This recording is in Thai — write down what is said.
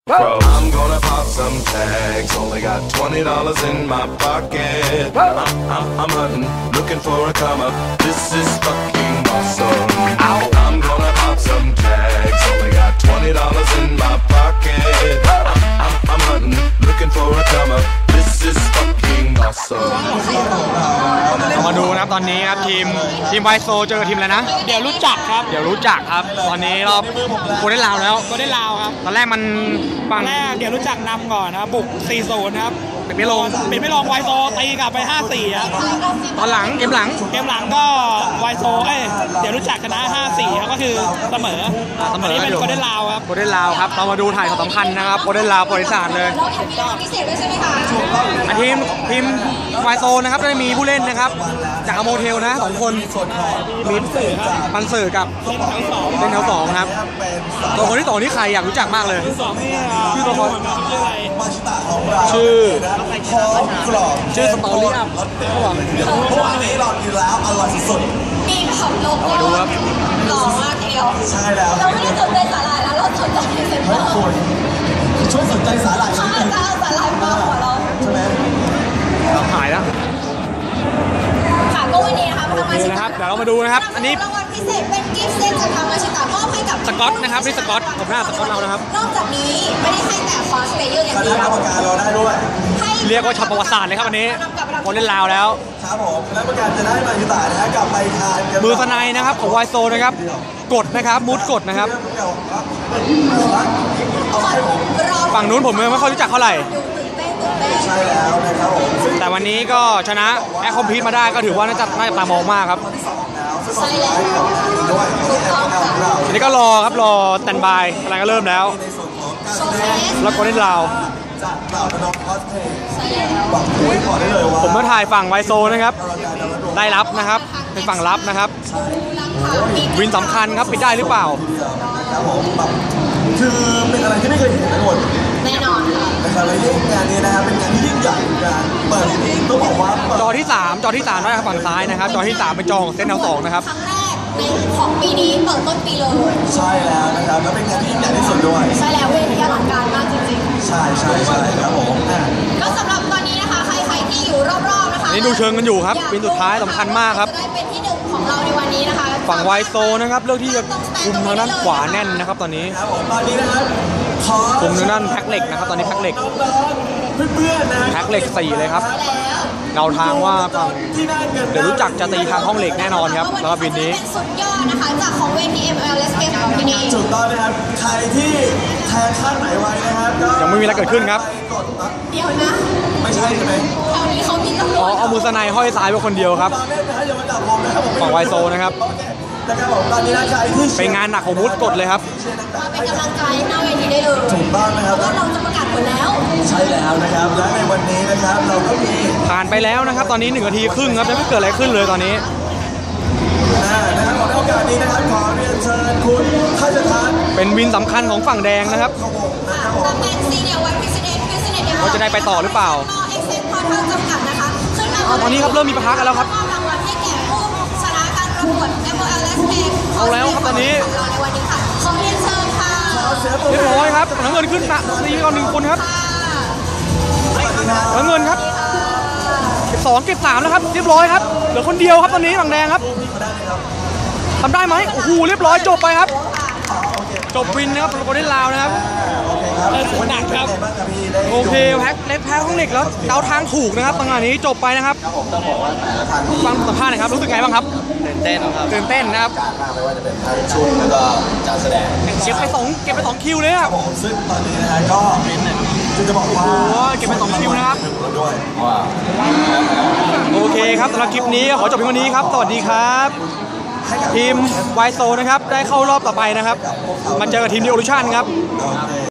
I'm gonna pop some tags. Only got $20 in my pocket. I'm hunting, looking for a come up. This is fucking awesome. I'm gonna pop some tags. Only got $20 in my pocket. I'm hunting, looking for a come up. This is fucking awesome. มาดูนะครับตอนนี้ครับทีมไวโซเจอทีมอะไรนะเดี๋ยวรู้จักครับตอนนี้รอบโกลเด้นลาวแล้วครับตอนแรกมันฝั่งเดี๋ยวรู้จักนำก่อนนะบุก 4-0 ครับเป็นไม่ลงไวโซตีกลับไป 5-4 ครับตอนหลังเกมหลังก็ไวโซเดี๋ยวรู้จักชนะ 5-4 ครับก็คือเสมอนี่เป็นโกลเด้นลาวครับเรามาดูถ่ายของสำคัญนะครับโกลเด้นลาวบริษัทเลยพิเศษด้วยใช่ไหมคะทีมไวโซนะครับได้มีผู้เล่นนะครับจากโมเทลนะ2คนมีปันสื่อกับเส้นแถว2ครับตัวคนที่2นี่ใครอยากรู้จักมากเลยชื่อตัวคนชื่อสตอรี่อัพนี้เรากินแล้วอร่อยสุดมีแบบโลโก้หล่อมากทีเดียวใช่แล้วเราไม่ได้สนใจสาหร่ายแล้วเราสนใจเซ็นเตอร์ช่วยสนใจสาหร่ายเขาอาจจะเอาสาหร่ายมากกว่าเราใช่ไหมหายแล้วค่ะก็วันนี้นะคะทางมาชิตะเดี๋ยวเรามาดูนะครับอันนี้รางวัลพิเศษเป็นกิฟต์เซตจากทางมาชิตะมอบให้กับสกอตนะครับนี่สกอตผมหน้าสกอตเรานะครับนอกจากนี้ไม่ได้ให้แต่คอสเพลเยอร์อย่างเดียวคณะกรรมการเราได้ด้วยเรียกว่าช็อตประวัติศาสตร์เลยครับวันนี้คนเล่นลาวแล้วครับผมคณะกรรมการจะได้มาชิตะนะฮะกลับไปทานมือสไนนะครับของไวโซนะครับกดนะครับมูดกดนะครับฝั่งนู้นผมไม่ค่อยรู้จักเท่าไหร่ใช่แล้วนะครับผมแต่วันนี้ก็ชนะแอคคอมพีทมาได้ก็ถือว่าน่าจะตามองมากครับใช่แล้วทีนี้ก็รอสแตนบายอะไรก็เริ่มแล้วแล้วก็เล่นลาวผมมาถ่ายฝั่งไวโซนะครับได้รับนะครับเป็นฝั่งรับนะครับวินสำคัญครับปิดได้หรือเปล่าคือเป็นอะไรที่ไม่เคยเห็นทั้งหมดแน่นอนนะครับและงานนี้นะครับเป็นงานที่ยิ่งใหญ่การเปิดต้องบอกว่าจอที่3นะครับฝั่งซ้ายนะครับจอที่3เป็นจอของเส้นแถว2นะครับครั้งแรกของปีนี้เปิดต้นปีเลยใช่แล้วนะครับแล้วเป็นงานที่ยิ่งใหญ่ที่สุดด้วยใช่แล้วเวทีอลังการมากจริงๆใช่ครับผมก็สำหรับตอนนี้นะคะใครที่อยู่รอบๆนะคะนี่ดูเชิงกันอยู่ครับเป็นสุดท้ายสำคัญมากครับได้เป็นที่1ของเราในวันนี้นะคะฝั่งไวโซนะครับเลือกที่จะคุมทางด้านขวาแน่นนะครับตอนนี้ตอนนี้นะครับคุมทางด้านแพ็คเหล็กนะครับตอนนี้แพ็คเหล็กเพื่อนๆนะแพ็คเหล็ก4เลยครับเราทางว่าฝั่งเดี๋ยวรู้จักจะตีทางห้องเหล็กแน่นอนครับแล้วบินนี้สุดยอดนะคะจากของเวที MLS Game ของที่นี่ถูกต้องนะครับใครที่แทนคาดหมายไว้นะครับยังไม่มีอะไรเกิดขึ้นครับเดี๋ยวนะไม่ใช่ไหมแถวนี้เขามีตำรวจเอามือสไนห้อยซ้ายไว้คนเดียวครับฝั่งไวโซนะครับเป็นงานหนักของมุดกดเลยครับมาเป็นกำลังใจหน้าเวทีได้เลยถูกต้องนะครับว่าเราจะประกาศผลแล้วใช่แล้วนะครับและในวันนี้นะครับเราก็มีผ่านไปแล้วนะครับตอนนี้1 นาทีครึ่งครับยังไม่เกิดอะไรขึ้นเลยตอนนี้นะครับในโอกาสนี้นะครับขอเรียนเชิญคุณข้าราชการเป็นวินสำคัญของฝั่งแดงนะครับตำแหน่งซีเนียร์ไวท์พิเศษเขาจะได้ไปต่อหรือเปล่าตอนนี้ครับเริ่มมีปะทะกันแล้วครับรางวัลให้แก่ผู้ชนะการประกวด MLS Game เอาแล้วครับตอนนี้ในวันนี้ค่ะขอเรียนเชิญค่ะเรียบร้อยครับน้ำเงินขึ้นนะตีก่อน1 คนครับน้ำเงินครับเก็บ2เก็บ3แล้วครับเรียบร้อยครับเหลือคนเดียวครับตอนนี้ฝั่งแดงครับทำได้ไหมโอ้โหเรียบร้อยจบไปครับจบวินนะครับโกลเด้นลาวนะครับหนักครับโอเคแพ็คห้องเหล็กแล้วเดาทางถูกนะครับตรงนี้จบไปนะครับฟังสัมภาษณ์หน่อยครับรู้สึกไงบ้างครับตื่นเต้นนะครับไม่ว่าจะเป็นทางชุดแล้วก็การแสดงเก็บไป2คิวเลยครับซึ่งตอนนี้นะฮะก็จะบอกว่าเก็บไป2คิวนะครับโอเคครับสำหรับคลิปนี้ขอจบเพียงวันนี้ครับสวัสดีครับทีมไวโซนะครับได้เข้ารอบต่อไปนะครับมาเจอกับทีมดิโอลูชั่นครับ